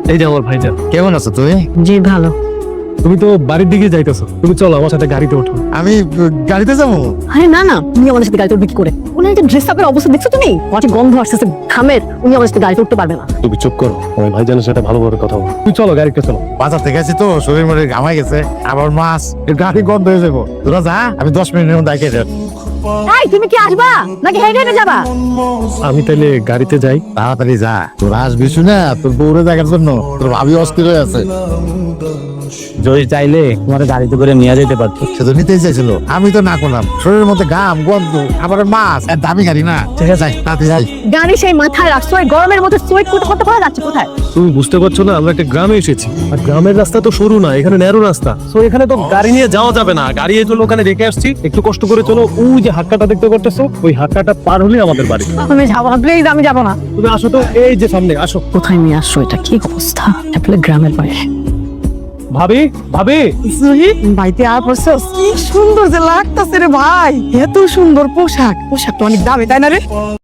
এই যে আমার ভাইজান। কেমন আছো তুমি? জি ভালো। তুমি তো বাড়ির দিকে যাইতেছো, তুমি চলো আমার সাথে গাড়িতে ওঠো। আমি গাড়িতে যাবো? আরে না না, উনি আমাদের সাথে গাড়িতে উঠবে কি করে? উনি যে ড্রেস আপের অবস্থা দেখছো তুমি? অনেক গন্ধ আসতেছে ঘামের, উনি আমাদের সাথে গাড়িতে উঠতে পারবে না। তুমি চুপ করো, আমার ভাইজানের সাথে ভালো করে কথা বলো। তুমি চলো গাড়িতে চলো। বাজার থেকে আছি তো, শরীর মরে ঘামাই গেছে, আবার মাছ, এর গাড়ি গন্ধ হয়ে যাবো। তোরা যা, আমি 10 মিনিটের মধ্যে আইকে যাবো। এই তুমি কি আসবা নাকি হেঁটে হেঁটে যাবা? আমি তাইলে গাড়িতে যাই। তাড়াতাড়ি যা, তোরা আসবি শুনে তোর বউরে দেখার জন্য তোর ভাবি অস্থির হয়ে আছে। যদি চাইলে তোমার গাড়িতে করে নিয়ে যেতে পারতো। সে তো নিতেই চাইছিল, আমি তো না করলাম। শরীরের মধ্যে ঘাম গন্ধ, আবার মাছ, আর দামি গাড়ি না। ঠিক আছে, তাড়াতাড়ি যাই। গাড়ি সেই মাথায় রাখছো, এই গরমের মধ্যে সোয়েট করতে করতে পারা যাচ্ছে কোথায়? তুমি বুঝতে পারছো না, আমরা একটা গ্রামে এসেছি, আর গ্রামের রাস্তা তো সরু না, এখানে ন্যারো রাস্তা। তো এখানে তো গাড়ি নিয়ে যাওয়া যাবে না। গাড়ি এই জন্য ওখানে রেখে আসছি, একটু কষ্ট করে চলো। ওই যে হাক্কাটা দেখতে করতেছো, ওই হাক্কাটা পার হলে আমাদের বাড়ি। আমি যাবো না, প্লিজ আমি যাবো না। তুমি আসো তো, এই যে সামনে আসো। কোথায় নিয়ে আসছো? এটা কি অবস্থা? আসলে গ্রামের বাইরে। ভাবি, ভাবি, ভাইতে আর পড়ছস? কি সুন্দর যে লাগতাছে রে ভাই, এত সুন্দর পোশাক, পোশাকটা অনেক দামি তাই না রে?